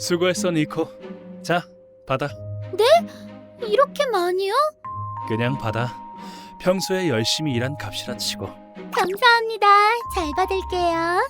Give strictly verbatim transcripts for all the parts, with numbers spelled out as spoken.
수고했어, 니코. 자, 받아. 이렇게 많이요? 그냥 받아. 평소에 열심히 일한 값이라 치고. 감사합니다. 잘 받을게요.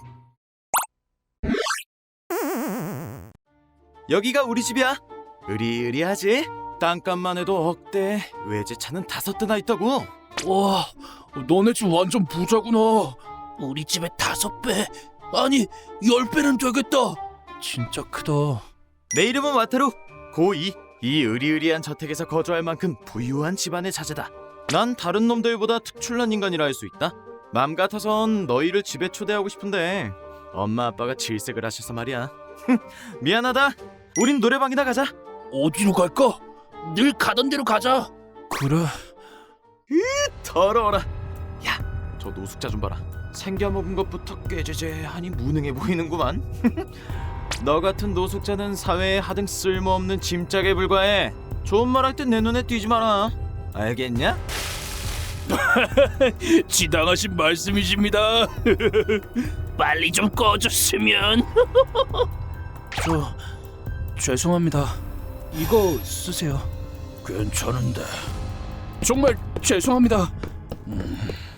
여기가 우리 집이야. 으리으리하지? 땅값만 해도 억대, 외제차는 다섯 대나 있다고. 와, 너네 집 완전 부자구나. 우리 집에 다섯 배, 아니 열 배는 되겠다. 진짜 크다. 내 이름은 와타루, 고이. 이 으리으리한 저택에서 거주할 만큼 부유한 집안의 자제다. 난 다른 놈들보다 특출난 인간이라 할 수 있다. 맘 같아선 너희를 집에 초대하고 싶은데 엄마 아빠가 질색을 하셔서 말이야. 미안하다. 우린 노래방이나 가자. 어디로 갈까? 늘 가던 대로 가자. 그래. 더러워라. 야, 저 노숙자 좀 봐라. 생겨먹은 것부터 꾀죄죄하니 무능해 보이는구만. 너 같은 노숙자는 사회에 하등 쓸모없는 짐짝에 불과해. 좋은 말 할 땐 내 눈에 띄지 마라. 알겠냐? 지당하신 말씀이십니다. 빨리 좀 꺼줬으면. 저 죄송합니다. 이거 쓰세요. 괜찮은데. 정말 죄송합니다. 음.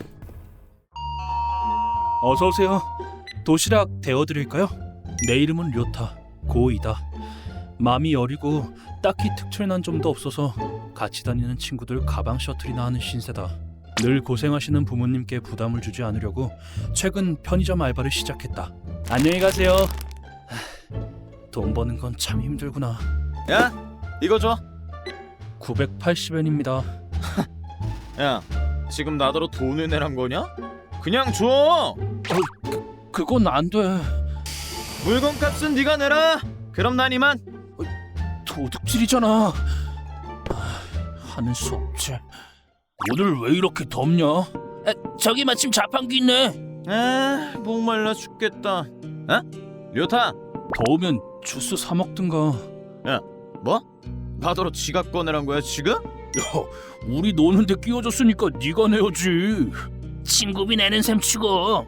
어서 오세요. 도시락 데워드릴까요? 내 이름은 료타, 고이다. 마음이 여리고 딱히 특출난 점도 없어서 같이 다니는 친구들 가방 셔틀이나 하는 신세다. 늘 고생하시는 부모님께 부담을 주지 않으려고 최근 편의점 알바를 시작했다. 안녕히 가세요. 하, 돈 버는 건 참 힘들구나. 야, 이거 줘. 구백팔십 엔입니다. 야, 지금 나더러 돈을 내란 거냐? 그냥 줘. 그건 안 돼. 물건값은 네가 내라. 그럼 난 이만. 도둑질이잖아. 아, 하는 수 없지. 오늘 왜 이렇게 덥냐? 아, 저기 마침 자판기 있네. 아, 목말라 죽겠다. 어? 료타. 더우면 주스 사 먹든가. 야, 뭐? 나더러 지갑 꺼내란 거야 지금? 야, 우리 노는데 끼워줬으니까 네가 내야지. 친구비 내는 셈 치고, 어?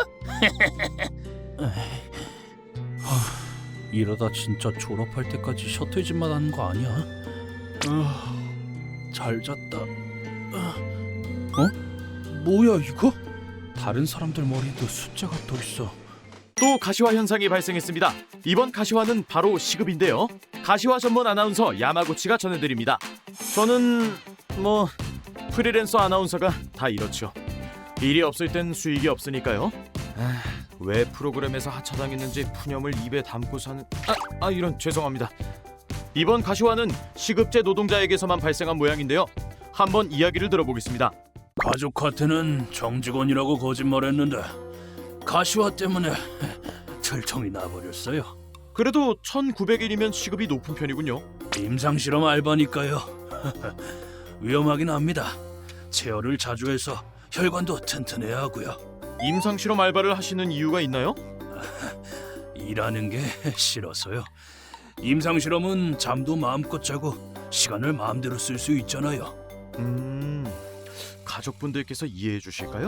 하, 이러다 진짜 졸업할 때까지 셔틀집만 하는 거 아니야? 아, 잘 잤다. 어? 뭐야 이거? 다른 사람들 머리에도 숫자가 떠 있어. 또 가시화 현상이 발생했습니다. 이번 가시화는 바로 시급인데요. 가시화 전문 아나운서 야마구치가 전해드립니다. 저는 뭐 프리랜서 아나운서가 다 이렇죠. 일이 없을 땐 수익이 없으니까요. 아, 왜 프로그램에서 하차당했는지 푸념을 입에 담고 사는... 아, 아 이런 죄송합니다. 이번 가시화는 시급제 노동자에게서만 발생한 모양인데요. 한번 이야기를 들어보겠습니다. 가족한테는 정직원이라고 거짓말했는데 가시화 때문에 절정이 나버렸어요. 그래도 천구백 일이면 시급이 높은 편이군요. 임상실험 알바니까요. 위험하긴 합니다. 체열을 자주 해서 혈관도 튼튼해야 하고요. 임상실험 알바를 하시는 이유가 있나요? 일하는 게 싫어서요. 임상실험은 잠도 마음껏 자고 시간을 마음대로 쓸 수 있잖아요. 음... 가족분들께서 이해해 주실까요?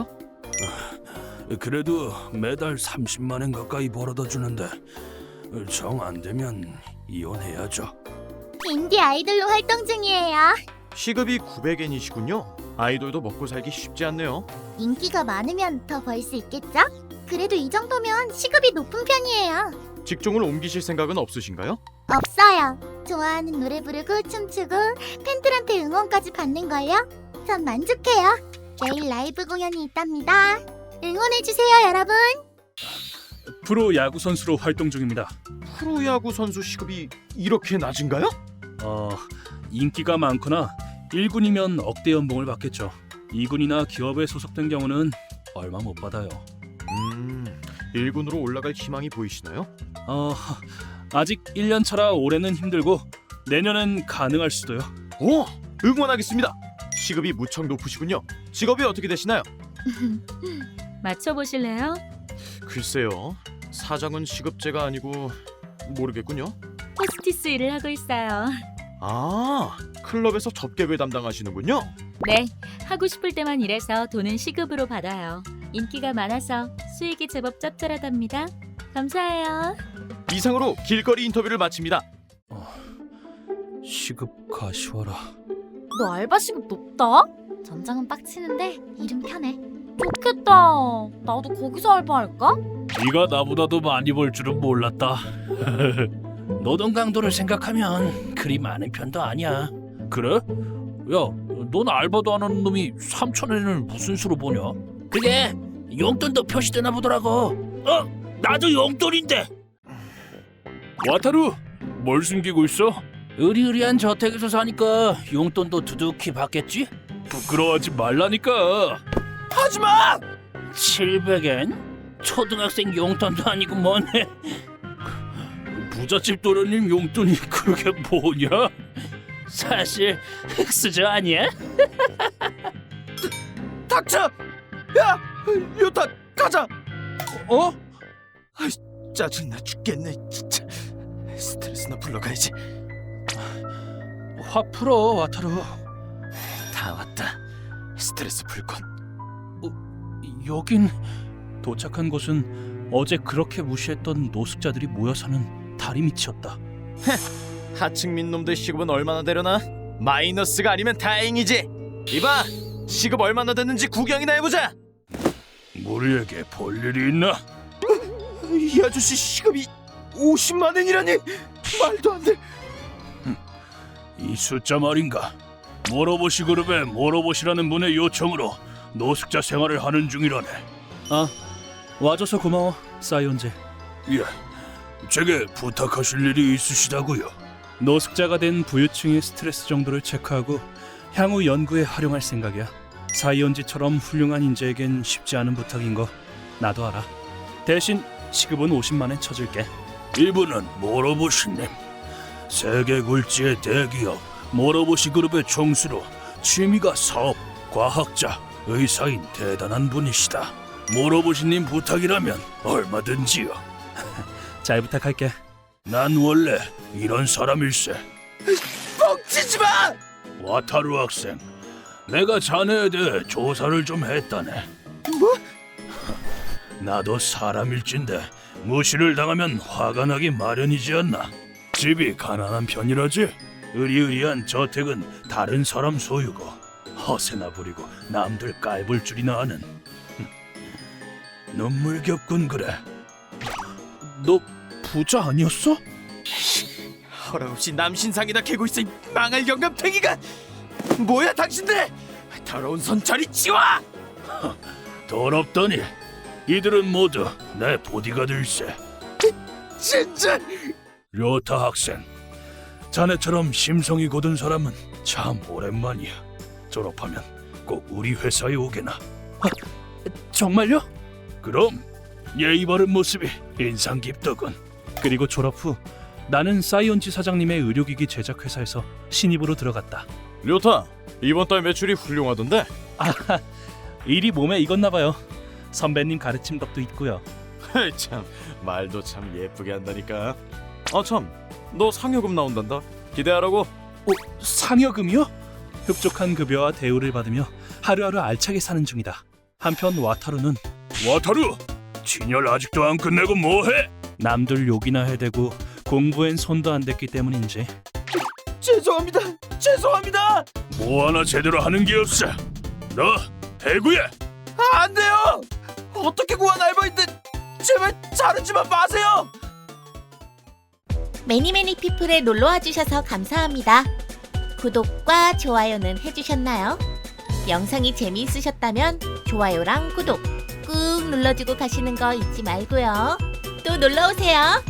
그래도 매달 삼십만 엔 가까이 벌어다 주는데 정 안 되면 이혼해야죠. 인디 아이돌로 활동 중이에요. 시급이 구백 엔이시군요. 아이돌도 먹고 살기 쉽지 않네요. 인기가 많으면 더 벌 수 있겠죠? 그래도 이 정도면 시급이 높은 편이에요. 직종을 옮기실 생각은 없으신가요? 없어요. 좋아하는 노래 부르고 춤추고 팬들한테 응원까지 받는걸요? 전 만족해요. 내일 라이브 공연이 있답니다. 응원해주세요, 여러분. 프로 야구 선수로 활동 중입니다. 프로야구 선수 시급이 이렇게 낮은가요? 어, 인기가 많거나 일 군이면 억대 연봉을 받겠죠. 이 군이나 기업에 소속된 경우는 얼마 못 받아요. 음... 일 군으로 올라갈 희망이 보이시나요? 어, 아직 일 년 차라 올해는 힘들고 내년엔 가능할 수도요. 오! 응원하겠습니다. 시급이 무척 높으시군요. 직업이 어떻게 되시나요? 맞춰보실래요? 글쎄요. 사장은 시급제가 아니고 모르겠군요. 호스티스 일을 하고 있어요. 아, 클럽에서 접객을 담당하시는군요. 네, 하고 싶을 때만 일해서 돈은 시급으로 받아요. 인기가 많아서 수익이 제법 짭짤하답니다. 감사해요. 이상으로 길거리 인터뷰를 마칩니다. 시급 가시화라. 너 알바 시급 높다? 전장은 빡치는데 일은 편해. 좋겠다. 나도 거기서 알바할까? 네가 나보다도 많이 벌 줄은 몰랐다. 노동 강도를 생각하면 그리 많은 편도 아니야. 그래? 야, 넌 알바도 안 하는 놈이 삼천 원을 무슨 수로 보냐? 그게 용돈도 표시되나 보더라고. 어? 나도 용돈인데. 와타루, 뭘 숨기고 있어? 의리의리한 저택에서 사니까 용돈도 두둑히 받겠지? 부끄러워하지 말라니까. 하지마! 칠백 엔? 초등학생 용돈도 아니고 뭐네. 부잣집 도련님 용돈이 그게 뭐냐? 사실 흑수저 아니야? 닥쳐! 야! 요타 가자! 어? 짜증나 죽겠네 진짜. 스트레스나 풀러가야지. 화 풀어, 와타루. 다 왔다. 스트레스 풀건. 여긴 도착한 곳은 어제 그렇게 무시했던 노숙자들이 모여 사는 다리밑이었다. 하층민 놈들 시급은 얼마나 되려나? 마이너스가 아니면 다행이지. 이봐, 시급 얼마나 됐는지 구경이나 해보자. 우리에게 볼 일이 있나? 이 아저씨 시급이 오십만 원이라니 말도 안 돼. 이 숫자 말인가? 모로보시 그룹의 모로보시라는 분의 요청으로 노숙자 생활을 하는 중이라네. 아, 와줘서 고마워, 사이온제. 예, 제게 부탁하실 일이 있으시다고요? 노숙자가 된 부유층의 스트레스 정도를 체크하고 향후 연구에 활용할 생각이야. 사이온지처럼 훌륭한 인재에겐 쉽지 않은 부탁인 거 나도 알아. 대신 시급은 오십만 엔 쳐줄게. 이분은 모로보시님, 세계 굴지의 대기업 모로보시 그룹의 총수로 취미가 사업, 과학자, 의사인 대단한 분이시다. 모로보시님 부탁이라면 얼마든지요. 잘 부탁할게. 난 원래 이런 사람일세. 뻥치지 마! 와타루 학생, 내가 자네에 대해 조사를 좀 했다네. 뭐? 나도 사람일진데 무시를 당하면 화가 나기 마련이지 않나. 집이 가난한 편이라지. 의리의리한 저택은 다른 사람 소유고 허세나 부리고 남들 깔볼 줄이나 아는. 눈물겹군 그래. 너 부자 아니었어? 허락없이 남신상이나 캐고 있어 이 망할 영감탱이가. 뭐야 당신들! 더러운 손 저리 치워! 더럽더니 이들은 모두 내 보디가들세. 진짜! 료타 학생, 자네처럼 심성이 고든 사람은 참 오랜만이야. 졸업하면 꼭 우리 회사에 오게나. 아, 정말요? 그럼 예의 바른 모습이 인상 깊더군. 그리고 졸업 후 나는 사이온지 사장님의 의료기기 제작 회사에서 신입으로 들어갔다. 료타, 이번 달 매출이 훌륭하던데? 아, 일이 몸에 익었나 봐요. 선배님 가르침 덕도 있고요. 헤이 참, 말도 참 예쁘게 한다니까. 아 참, 너 상여금 나온단다. 기대하라고. 어, 상여금이요? 흡족한 급여와 대우를 받으며 하루하루 알차게 사는 중이다. 한편 와타루는 와타루! 진열 아직도 안 끝내고 뭐해? 남들 욕이나 해대고 공부엔 손도 안 댔기 때문인지 죄송합니다. 죄송합니다. 뭐 하나 제대로 하는 게 없어. 너 해구야! 아, 안 돼요. 어떻게 구한 알바인데 제발 자르지만 마세요. 매니매니 피플에 놀러와 주셔서 감사합니다. 구독과 좋아요는 해주셨나요? 영상이 재미있으셨다면 좋아요랑 구독 꾹 눌러주고 가시는 거 잊지 말고요. 또 놀러오세요.